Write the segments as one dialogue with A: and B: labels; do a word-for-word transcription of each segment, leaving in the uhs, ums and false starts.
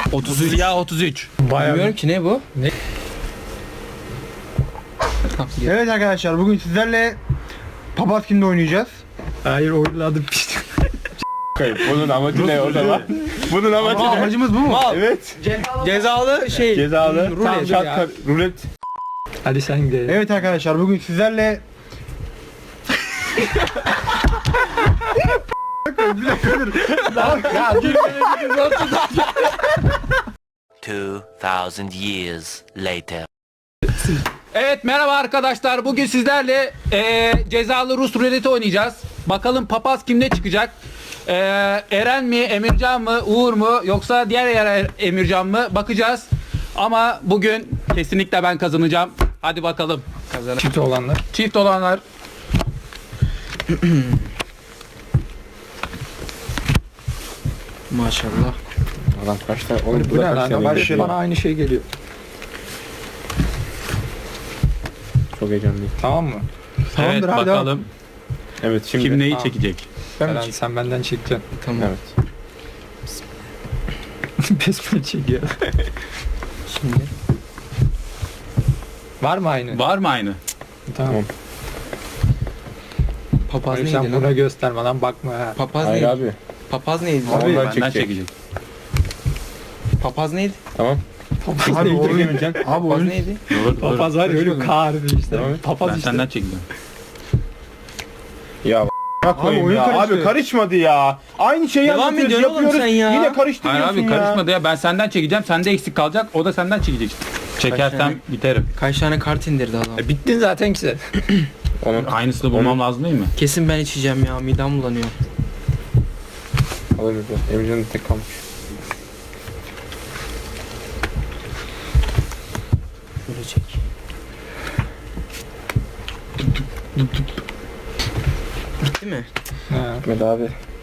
A: otuz üç. Ya otuz üç.
B: Bayağı
C: Bilmiyorum ki ne bu?
B: Ne?
D: Evet arkadaşlar, bugün sizlerle Papaz Kim'de oynayacağız.
B: Hayır, oynadım pis.
E: Bunun amacı ne o zaman? Bunun amacı
D: Ama
E: ne?
D: amacımız bu mu?
E: Evet.
C: Cezalı şey.
E: Cezalı.
B: Rulet.
E: Çat kar- rulet.
B: Hadi sen gidelim.
D: Evet arkadaşlar, bugün sizlerle bir dakika dur.
F: Two thousand years later.
A: Evet, merhaba arkadaşlar. Bugün sizlerle eee, cezalı Rus ruleti oynayacağız. Bakalım papaz kimde çıkacak? Eee, Eren mi, Emircan mı, Uğur mu, yoksa diğer yer Emircan mı? Bakacağız. Ama bugün kesinlikle ben kazanacağım. Hadi bakalım. Kazan.
B: Çift olanlar.
A: Çift olanlar.
C: Maşallah.
E: Adam kaç tane? Oğlum
B: Bu ne lan?
D: başlayalım.
B: Bana aynı şey geliyor.
E: Çok heyecanlıyım.
B: Tamam mı?
D: Tamamdır,
A: Evet,
D: hadi
A: bakalım
E: Evet şimdi.
A: kim neyi
B: Tamam.
A: çekecek.
D: Ben mi
B: Eren, sen benden çekeceksin.
C: Tamam.
E: Evet.
B: Besmele çekiyor.
C: Şimdi.
B: Var mı aynı?
A: Var mı aynı?
B: Tamam.
E: Tamam.
C: Papaz
B: Hayır,
C: neydi
B: sen
C: lan?
B: buna gösterme lan, bakma ha.
C: Papaz
E: Hayır
C: neydi?
E: abi.
C: Papaz neydi?
E: Abi,
C: Abi,
E: ben
A: Benden
E: çekecek.
A: çekecek.
C: papaz neydi?
E: Tamam.
D: Abi
E: Neydi
D: oyun,
E: Emircan?
D: abi
C: Papaz
D: oyun.
C: neydi?
A: Dur, dur.
B: Papaz var ya, öyle kağırdı işte.
E: Tamam.
B: Papaz
A: Ben
B: işte.
A: senden çekeceğim.
E: Ya a**a koyayım
D: oyun
E: ya.
D: karıştı.
E: Abi karışmadı ya. Aynı şeyi
C: Devam
E: anlatıyoruz,
C: ediyorsun oğlum
E: yapıyoruz.
C: sen ya.
E: Yine
A: Hayır
E: karıştırıyorsun
A: abi,
E: ya.
A: karışmadı ya. Ben senden çekeceğim. Sende eksik kalacak. O da senden çekecek. Çekersem
C: tane?
A: biterim.
C: Kaç tane kart indirdi adam?
B: E, bittin zaten ki sen.
E: Onun
A: Aynısını bulmam lazım değil mi?
C: Kesin ben içeceğim ya, midem bulanıyor.
E: alırız ya. Emircan'ın tek kalmış.
C: Şöyle çek. Bitti mi?
B: Ha,
E: Gitmedi abi.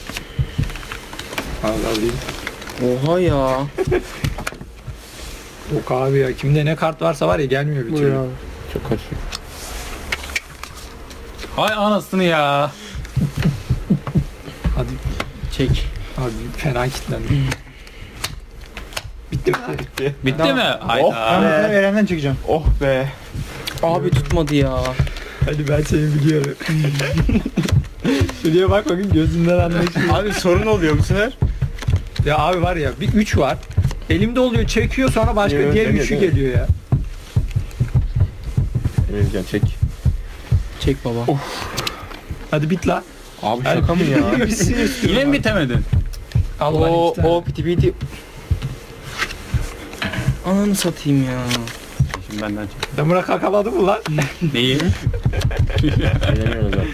B: al alayım.
C: Oha ya.
B: Yok abi ya, kimde ne kart varsa var ya, gelmiyor bir türlü.
E: Çok kaçıyor.
A: Hay anasını ya.
B: Hadi
C: Çek.
B: abi, fena kilitlendim. Bitti mi?
E: Bitti.
A: Bitti mi?
E: Oh.
A: Hayda.
D: Ben bu sefer Eren'den çekeceğim.
E: Oh be.
C: Abi tutmadı ya.
B: Hadi ben seni biliyorum. Şuraya bak bakın, gözünden anlaşılıyor.
E: Abi sorun oluyor bu sefer.
B: Ya abi var ya, bir üç var. Elimde oluyor, çekiyor, sonra başka
E: Evet,
B: diğer
E: evet,
B: üçü
E: evet.
B: geliyor ya.
E: Emircan çek.
C: Çek baba.
B: Hadi bit la.
E: Abi şaka mı ya?
B: Bitsin istiyorum
A: Yine mi
B: abi.
A: bitemedin?
B: Al bana
C: O
B: iki tane.
C: o piti piti. Ananı satayım ya.
A: Şimdi benden çek.
B: Damıra kakaladı mı lan?
A: Neyi?
E: Bilemiyoruz abi.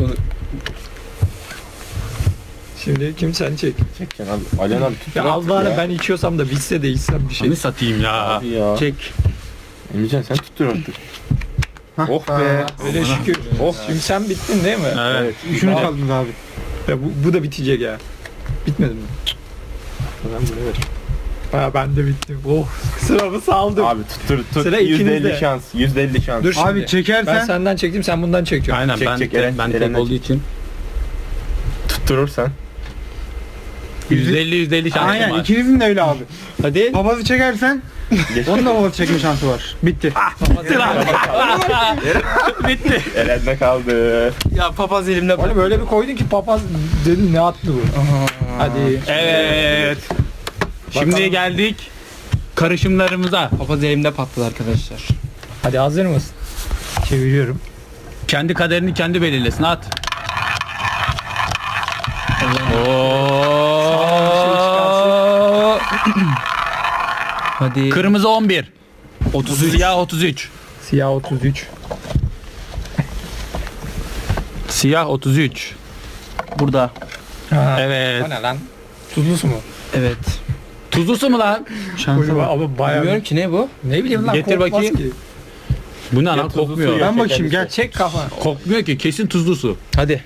B: Şimdi kim, sen çek.
E: Çekeceksin abi. Alihan abi tut.
B: Ya
E: artık
B: al bari,
E: ya.
B: ben içiyorsam da bitse de içsem bir şey.
A: Seni satayım ya.
E: Abi ya.
C: Çek.
E: Emircan sen tuttur artık. Oh be.
B: Öyle şükür.
E: Oh.
B: Şimdi sen bittin değil mi?
A: Evet.
D: Üçünü
B: Al.
D: çaldınız abi.
B: Ya bu, bu da bitecek ya. Bitmedi mi? Ben bunu ver. Ha, ben de bittim. Oh, sıramı saldım.
E: Abi tuttur tut.
B: Sıra
E: yüzde
B: ikinizde.
E: elli şans. yüzde elli şans.
B: Dur şimdi.
D: Abi çekersen
B: Ben senden çektim, sen bundan çekiyorsun.
A: Aynen
E: Çek,
A: ben
E: çek,
A: tek,
E: Eren,
A: ben tek
E: Eren'den
A: olduğu
E: çek.
A: için
E: Tutturursan.
A: yüzde elli yüzde elli şansım
D: aynen
A: var.
D: ikinizin de öyle abi.
C: Hadi.
D: Papazı çekersen onun da papazı çekme şansı var. Bitti.
A: Bitti.
E: Eren'de kaldı.
C: Ya papaz elimde.
B: Oğlum böyle bir koydun ki papaz dedim, ne attı bu? Hadi.
A: Evet. Şimdi
B: Bakalım.
A: geldik karışımlarımıza.
C: Papaz elimde patladı arkadaşlar.
B: Hadi, hazır mısın? Çeviriyorum.
A: Kendi kaderini kendi belirlesin. At. Oo.
C: Hadi.
A: Kırmızı on bir. otuz üç. Siyah otuz üç.
B: Siyah otuz üç.
A: Siyah otuz üç.
C: Burada.
B: Ha.
A: Evet.
B: O ne lan? Tuzlusu mu?
C: Evet.
A: Tuzlusu mu lan?
D: Şansı var.
B: Ama bayağı...
C: Bilmiyorum ki ne bu?
B: Ne bileyim lan,
A: Getir
B: kokmaz
A: bakayım.
B: ki.
A: Bu ne lan?
E: tuzlusu
A: Kokmuyor.
E: ya.
D: Ben bakayım, gel.
B: Çek kafa.
A: Kokmuyor ki. Kesin tuzlusu.
C: Hadi.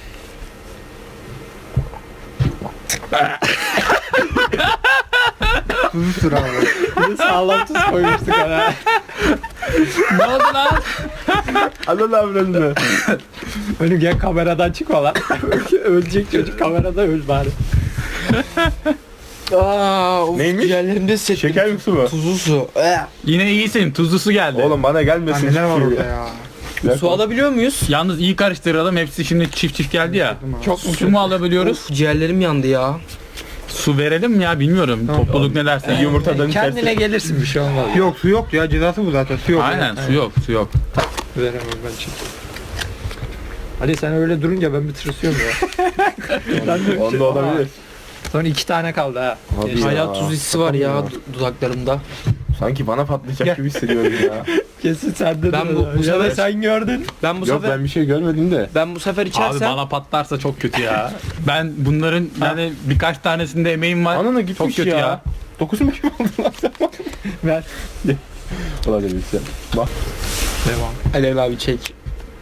D: Tuzludur abi.
B: Bir de sağlam tuz koymuştuk ona.
A: Ne oldu lan?
E: Alın avradını.
B: Önüm gel, kameradan çıkma lan. Ölecek çocuk, kamerada öl bari.
C: Aa, of,
E: Neymiş?
C: ciğerlerimde hissettim.
E: Şeker mi su mu?
C: Tuzlu su. Ee.
A: Yine iyisin. Tuzlu su geldi.
E: Oğlum bana
D: Lan
E: gelmesin.
D: neler var
E: şu
D: orada
E: ya.
D: ya.
E: Ya.
C: Su alabiliyor muyuz?
A: Yalnız iyi karıştıralım. Hepsi şimdi çift çift geldi ya.
B: Çok mu
A: Su mu alabiliyoruz?
C: Of, ciğerlerim yandı ya.
A: Su verelim mi ya bilmiyorum. Topluluk ne derse.
E: Yumurtadan
B: Kendine
E: tersi.
B: gelirsin, bir şey olmaz.
D: Yok su yoktu ya, cezası bu zaten, su yok.
A: Aynen su yok su yok.
B: Veremem ben çünkü. Ali sen öyle durunca ben bir tırsıyorum ya. Ben de bir
E: Onda
B: şey-
E: olabilir.
B: Son iki tane kaldı ha.
E: Abi
B: Ya.
C: Hala tuz hissi var ya du- dudaklarımda.
E: Sanki bana patlayacak
B: Gel.
E: gibi hissediyorum ya.
B: Kesin sende
C: Ben
B: de.
C: bu- bu
B: Ya da
C: sefer-
B: sen gördün.
C: Ben bu
E: Yok
C: sefer
E: ben bir şey görmedim de.
C: ben bu sefer
A: Abi
C: içersem
A: bana patlarsa çok kötü ya. Ben bunların yani birkaç tanesinde emeğim var.
E: Anana gitmiş
A: Çok kötü
E: ya.
A: ya.
E: dokuz mu oldu lan sen?
B: Ver.
E: Olabilir bir şey. Bak.
B: Devam.
C: Alev abi çek.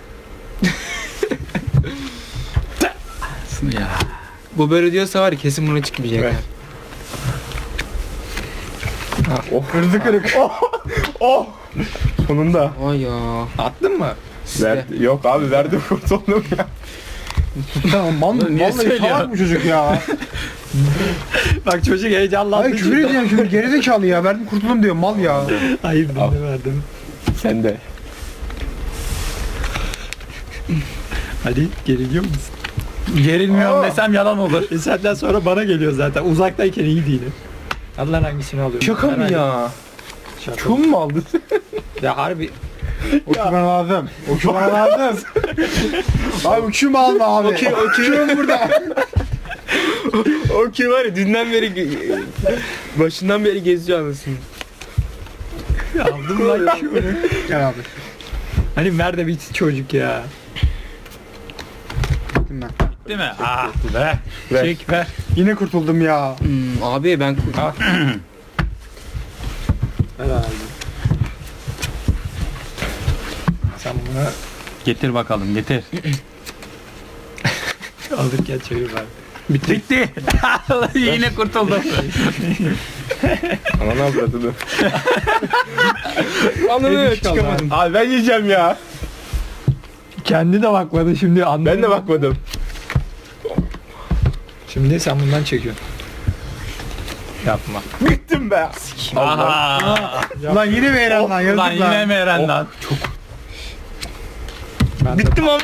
A: Ya.
C: Bu böyle diyorsa var ya kesin buna çıkmayacak.
B: Ver.
D: Kırdı kırık.
E: Oh! Sonunda.
C: Ay ya.
B: Attın mı?
E: Verdi. Yok abi verdim kurtuldum ya.
D: Tamam mal mı?
A: Niye
D: Vallahi
A: söylüyor?
D: salak bu çocuk ya.
B: Bak çocuk heyecanlandı.
D: Hayır küfür edeceğim şimdi, gerizekalı ya. Verdim kurtuldum diyor, mal ya.
B: Hayır ben
E: Al.
B: de verdim.
E: Sen de.
B: Ali geriliyor musun?
A: Gerilmiyorum desem yalan olur.
B: E senden sonra bana geliyor zaten. Uzaktayken iyi değilim. Allah hangisini alıyor?
E: Şaka mı ya?
B: Şaka.
E: Kum mu aldın?
B: Ya harbi.
D: O şu bana lazım. O şu bana lazım. Abi uçum alma abi.
C: Okey, okey.
D: Uçum burada.
C: O ki var ya dünden beri ge- başından beri geziyor anasını.
B: Aldım lan şunu.
D: Gel abi.
B: Hani nerede bir çocuk ya?
D: Gittim ben.
A: Değil mi? Ah be.
E: Ver.
B: Çek ver.
D: Yine kurtuldum ya.
C: Hmm, abi ben
B: Ver abi. Sen bunu
A: Getir bakalım getir.
B: alırken çevir ver.
A: Bitti. Yine kurtuldum.
E: Ananı avradını.
C: anlamıyorum çıkamadım.
E: Abi ben yiyeceğim ya.
B: Kendi de bakmadı şimdi anladım.
E: Ben de bakmadım.
B: Şimdi sen bundan çekiyorsun. Yapma.
E: Bittim be.
A: Aha.
D: Ulan yine mi Eren lan? Yazık
A: Lan
D: lan.
A: yine mi Eren lan?
B: Ben de-
C: Bittim ama.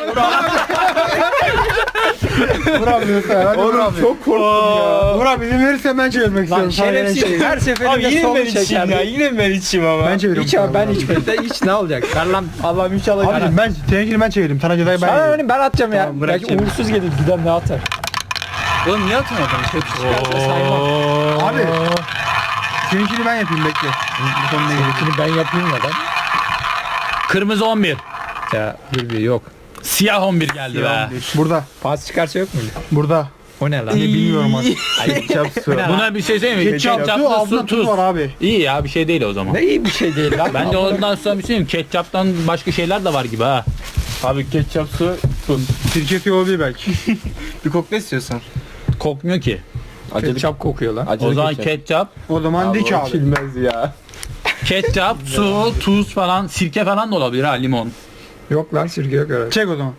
D: Vur abi lütfen. Hadi vur
E: Oğlum
D: abi.
E: çok korktum ya.
D: Vur abi izin verirsen ben çevirmek
B: Lan
D: istiyorum. Sana
B: şerefsiz.
D: Eren şey-
B: Her
C: Abi
B: seferinde
C: yine
B: solu
C: ben içeyim ya.
B: çeker.
C: Yine ben içeyim ama.
D: Ben çeviriyorum.
B: Hiç abi ben içmedim. Hiç ne olacak? Ver lan. Allah'ım inşallah.
D: Abicim ben seninkini ben çevireyim. Sana cezayı ben
B: Ben
D: vereyim.
B: öyle ben atacağım ya.
C: Tamam, bırak
B: Belki
C: şimdi.
B: uğursuz gelir giden ne atar.
C: Oğlum niye atıyorsun adamı?
B: Çıkarsa saymam.
D: Abi. Seninkini ben yapayım, bekle. Bu son ne gelecek?
B: Seninkini ben yapayım ya ben.
A: Kırmızı on bir.
B: Ya bir bir yok.
A: Siyah on bir geldi be.
D: Burada.
B: Pas çıkarsa yok mu?
D: Burada.
B: O ne lan?
D: Ne bilmiyorum artık.
E: Ketçap su.
A: Buna bir şey söyleyeyim mi?
D: Ketçap, su,
A: Ketçaplı
D: altında
A: su,
D: tuz
A: tuz.
D: var abi.
A: İyi ya bir şey değil o zaman.
B: Ne iyi bir şey değil lan.
A: Bence ondan sonra bir şey diyeyim. Ketçaptan başka şeyler de var gibi ha.
E: Abi ketçap su tuz.
D: Sirkesi olabilir belki.
C: Bir kokla istiyorsan.
A: Kokmuyor ki.
E: Acılı,
B: Ketçap kokuyor lan.
E: acılı
A: O zaman
E: ketçap.
A: ketçap,
D: O zaman dik
E: o
D: abi.
E: Bilmez ya.
A: ketçap, su, tuz falan, sirke falan da olabilir ha limon.
B: Yok lan sirke yok herhalde.
D: Çek o zaman.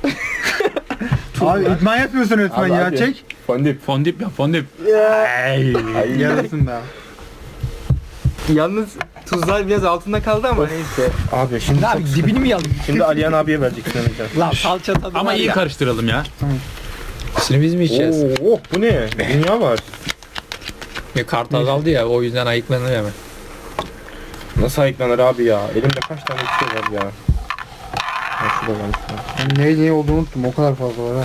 D: Abi idman yapmıyorsun lütfen
E: Abi,
D: ya.
E: abi.
D: Çek.
E: Fondip.
A: Fondip ya fondip.
E: Ay.
D: Yarasın be.
C: Yalnız tuzlar biraz altında kaldı ama neyse.
E: Abi şimdi
B: Abi dibini mi yalım?
E: şimdi Aliyan abiye vereceksin Emrecan.
B: Lan salça tadı
A: Ama
B: var
A: iyi
B: ya.
A: karıştıralım ya.
B: Şimdi biz mi içeceğiz?
E: Oo, oh, bu ne? Dünya var.
B: Bir kart azaldı ya o yüzden ayıklanır hemen.
E: Nasıl ayıklanır abi ya? Elimde kaç tane bir şey var ya. Ha, şurada var.
D: Ben ne ne olduğunu unuttum. O kadar fazla var ha.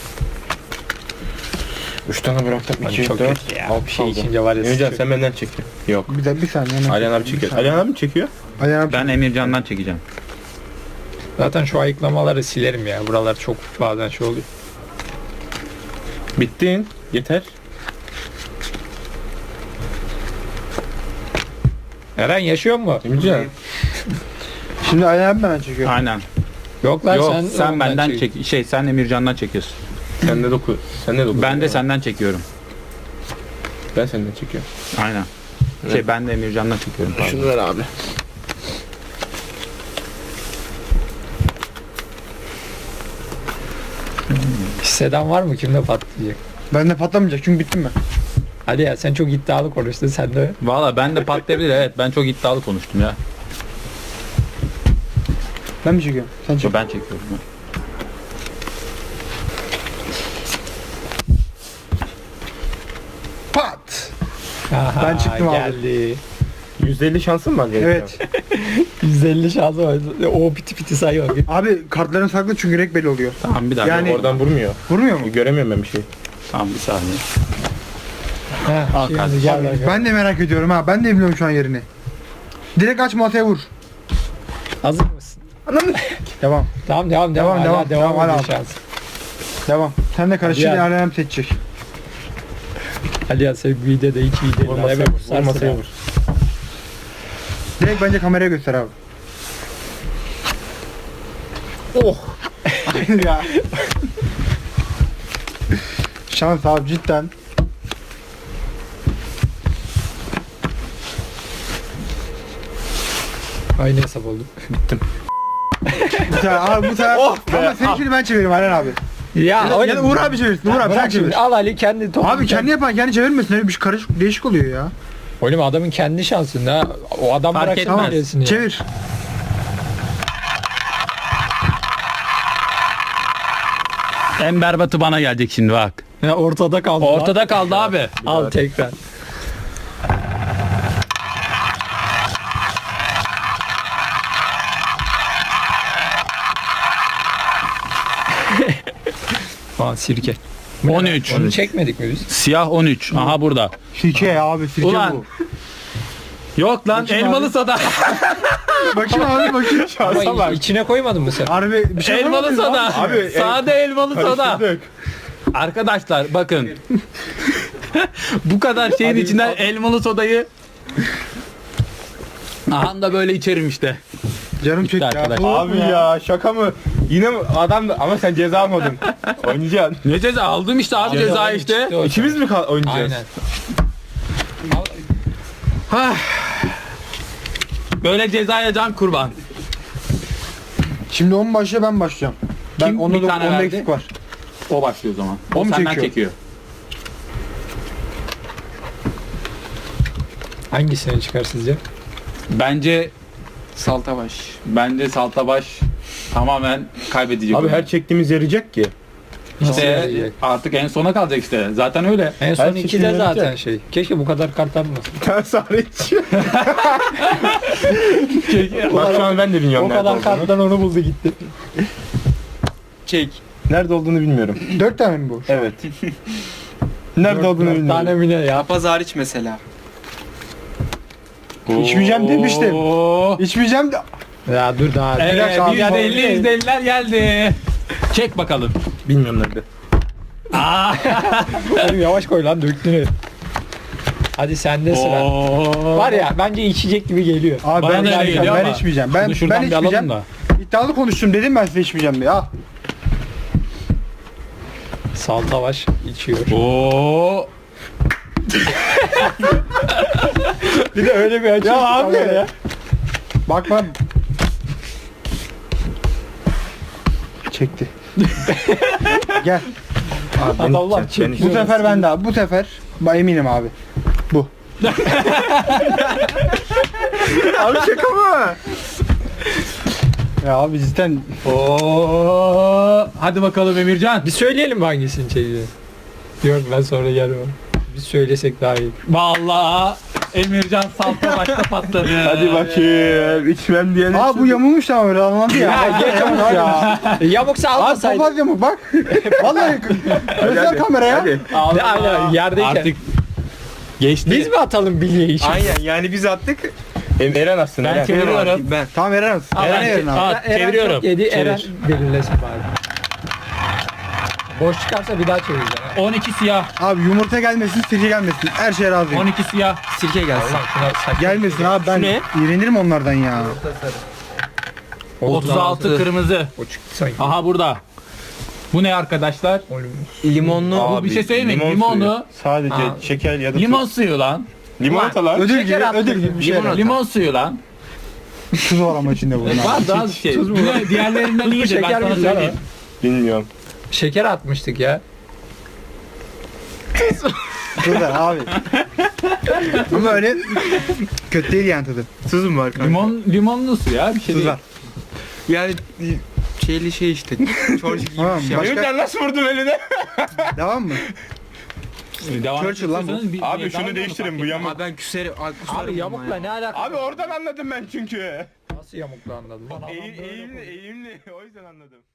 E: Üç tane bıraktım.
B: Abi
E: iki,
B: çok
E: dört,
B: kötü ya.
E: altı
B: Bir şey
E: kaldı.
B: içince var ya.
E: Emrecan
B: sıçıyor.
E: sen benden çekiyor. Yok.
D: Bir de bir saniye. hemen
E: Aliyan abi
D: çekeyim,
E: çekiyor.
D: bir saniye.
E: Aliyan abi mi çekiyor?
D: Aliyan abi.
A: Ben Emircan'dan çekeceğim.
B: Zaten şu ayıklamaları silerim ya. Buralar çok bazen şey oluyor.
E: Bittin. Yeter.
B: Eren yaşıyor mu?
E: Emrecan.
D: Şimdi Aliyan abi ben çekiyorum.
A: Aynen.
B: Yok lan
A: Yok
B: sen,
A: sen,
B: ondan
A: benden
B: çek.
A: çek şey sen Emircan'dan çekiyorsun.
E: Sen de doku. Sen de doku.
A: Ben de senden çekiyorum.
E: Ben senden çekiyorum.
A: Aynen. Şey ben de Emircan'dan çekiyorum. pardon.
E: Şunu ver abi.
B: Hisseden var mı? Kimde patlayacak?
D: Bende patlamayacak çünkü bittim ben.
B: Hadi ya sen çok iddialı konuştun sen de.
A: Valla ben de patlayabilir, evet ben çok iddialı konuştum ya.
D: Ben mi çekiyorum? Sen çek.
A: Ben çekiyorum. ya.
D: Pat.
B: Aha,
D: Ben çıktım abi.
B: geldi.
E: yüzde elli şansın var benim.
D: Evet.
B: yüz elli şansı var. O piti piti sayıyor.
D: Abi kartların saklı çünkü renk belli oluyor.
A: Tamam bir dakika.
D: Yani-
E: Oradan vurmuyor.
D: Vurmuyor mu?
E: Göremiyorum ben bir şey.
A: Tamam bir saniye.
B: Ha,
A: Al
B: şimdi
A: kardeşim.
B: gel bakalım.
D: Ben de merak ediyorum ha. Ben de bilmiyorum şu an yerini. Direkt aç masaya vur.
B: Hazır mısın?
D: Devam.
B: Tamam devam devam.
D: Devam,
B: Hala
D: devam,
B: devam,
D: devam,
B: ediyor
D: hala.
B: şans.
D: Devam. Sen de karışık
B: Hadi ya.
D: alem seçecek.
B: Hadi ya sen bir de de iki iyi
E: Vur
B: değil.
E: masaya
B: Evet,
E: vur. Vur
B: sarsın
E: masaya
B: abi.
E: vur.
D: Direkt bence kameraya göster abi.
E: Oh.
D: ya. Şans abi cidden.
B: Aynı hesap oldu.
D: Bu sefer abi bu sefer.
E: Oh be.
D: Ama seninkini ben çeviririm Alen abi.
B: Ya,
D: Ya, da- ya da Uğur abi çevirsin. Uğur abi sen
B: Bırak
D: çevir.
B: şimdi al Ali kendi topu.
D: Abi kendi yapan kendi çevirmesin. Öyle bir şey karışık değişik oluyor ya.
B: Oğlum adamın kendi şansında. O adam
A: Fark
B: bırak
A: etmez.
B: tamam. Ya.
D: Çevir.
A: En berbatı bana gelecek şimdi bak.
B: Ya ortada kaldı.
A: Ortada kaldı abi.
B: Al tekrar. Aa sirke.
A: on üç.
B: Onu çekmedik mi biz?
A: Siyah on üç. Aha burada.
D: Sirke ya abi sirke
A: Ulan.
D: bu.
A: Yok lan
D: Bakayım
A: elmalı
D: abi.
A: soda.
D: Bakayım abi bakayım.
B: Ama içine koymadın mı sen?
D: Harbi bir şey
A: elmalı
D: yapamadın
A: soda.
D: abi.
E: Abi,
A: Sade elmalı soda.
E: Karıştırdık.
A: Arkadaşlar bakın. Bu kadar şeyin içinden elmalı sodayı aha da böyle içerim işte.
D: Canım
A: Bitti
D: çekti ya.
A: arkadaş.
D: Soğuk
E: Abi
D: mu
E: ya şaka mı? Yine mi? Adam da ama sen ceza almadın. Oynayacaksın.
A: Ne ceza aldım işte abi ceza işte.
B: Çıktı o
E: İkimiz mi kal- oynayacağız?
B: Aynen.
A: Böyle cezaya can kurban.
D: Şimdi on başlıyor ben başlayacağım. Ben
A: Kim
D: onda
A: bir
D: da
A: tane
D: onda
A: verdi?
D: eksik var.
A: O başlıyor o zaman.
D: O
A: O
D: mu
A: senden
D: çekiyor?
A: çekiyor.
B: Hangisini çıkar sizce?
A: Bence
C: Saltabaş.
A: bence Saltabaş tamamen kaybedecek.
E: Abi
A: oyunu.
E: her çektiğimiz yarayacak ki.
B: Nasıl
A: işte
B: yarayacak?
A: artık en sona kalacak işte. Zaten öyle.
B: En son
E: Her
B: ikide
E: çekimde
B: zaten
E: yarayacak.
B: şey. Keşke bu kadar kart almasın.
E: Ters hariç. Bak şu an ben de bilmiyorum
B: O
E: nerede
B: kadar
E: olduğunu.
B: karttan onu buldu gitti.
C: Çek.
E: Nerede olduğunu bilmiyorum.
D: Dört tane mi bu?
E: Evet. Nerede olduğunu
B: Dört
E: bilmiyorum.
B: tane mi ne ya?
C: Papaz hariç mesela.
D: İçmeyeceğim demiştim.
A: Oo.
D: İçmeyeceğim de.
B: Ya dur daha.
A: Evet,
D: Biraz abi,
A: yüzde elli
B: abi.
A: yüzde elliler geldi. Çek bakalım.
E: Bilmiyorum nerede.
B: Oğlum yavaş koy lan döktün. Hadi sende sıra.
A: Oo.
B: Var ya bence içecek gibi geliyor.
D: Abi
A: Bana
D: ben
A: da öyle
D: içmeyeceğim.
A: geliyor
D: Ben
A: ama
D: içmeyeceğim. Ben
A: Bunu şuradan
D: ben
A: bir alalım
D: içmeyeceğim.
A: da.
D: İddialı konuştum dedim ben size içmeyeceğim diye. Al.
B: Saltavaş içiyor.
A: Oo.
B: Bir de öyle bir açıyor.
D: Ya abi. Bakma. Çekti. Gel.
E: Abi ben
B: Adamlar
E: içeceğim, ben
B: çekiyor.
D: Bu sefer ben daha. Bu sefer ben eminim abi. Bu.
E: Abi şaka mı?
D: Ya abi cidden
A: Oo. Hadi bakalım Emircan.
B: Bir söyleyelim mi hangisini çekeceğiz? Yok ben sonra gelmem. Biz söylesek daha iyi.
A: Vallahi Emircan salta başta patladı.
E: Hadi bakayım. İçmem diyene.
D: Aa bu yamulmuş ama öyle anladı ya.
B: Ya, geç
D: Yamuk
B: onu
D: ya.
B: E, Yamuksa
D: Abi
B: almasaydın.
D: papaz yamuk bak. Vallahi göster kameraya.
E: Hadi.
B: Ne aynen yerdeyken.
A: Artık geçti.
B: Biz mi atalım bilyeyi için?
C: Aynen yani biz attık.
E: Em- Eren aslında.
A: Ben
E: Eren.
A: çeviriyorum.
C: Ben.
D: Tamam Eren olsun.
A: Al,
D: Eren
A: ben-
D: Eren abi.
A: al.
B: Ya Eren
A: çeviriyorum.
B: çok yedi.
A: Çevir.
B: Eren belirlesin bari. Boş çıkarsa bir daha çevireceğim. ha.
A: on iki siyah.
D: Abi yumurta gelmesin, sirke gelmesin. Her şeye razıyım.
A: on iki siyah.
C: Sirke gelsin.
B: Allah şuna saçma.
D: Gelmesin abi ben
C: Şu ne?
D: iğrenirim onlardan ya.
A: otuz altı kırmızı.
B: O çıktı sanki.
A: Aha burada. Bu ne arkadaşlar?
C: Limonlu.
A: Bu bir şey söyleyeyim mi?
E: limon
A: Limonlu.
E: suyu. Sadece
B: Aa.
E: şeker ya da
A: Limon suyu lan.
E: Limonata lan.
D: Ödül
B: Şeker
D: gibi,
B: attı.
D: ödül gibi bir şey.
A: Limon, limon suyu lan.
D: Tuz var ama içinde bunun.
A: Var daha az şey. Diğer- Diğerlerinden iyidir ben
B: şeker
A: sana
B: mi lan
A: söyleyeyim.
E: Bilmiyorum.
B: Şeker atmıştık ya.
D: Tuz ver abi. Ama öyle kötü değil yani tadı.
C: Tuz mu var kanka?
A: Limon, limonlu su ya bir şey
D: Tuz
A: değil.
D: ver.
C: Yani şeyli şey işte. Çorcuk gibi
D: Tamam
C: bir şey.
D: başka
E: Emircan nasıl vurdun eline?
D: devam mı?
A: Devam
D: Churchill lan bu.
A: ediyorsanız bir-
E: Abi
A: bir-
E: şunu
A: devam
E: değiştirin
A: edelim,
E: bu
A: fark
E: yamuk.
C: Abi ben küserim. Abi kusarım.
A: Abi yamukla ne alakası
E: Abi oradan anladım ben çünkü.
B: Nasıl yamuklu anladın?
A: etmez.
E: Eğim, eğimli, eğimli. O yüzden anladım.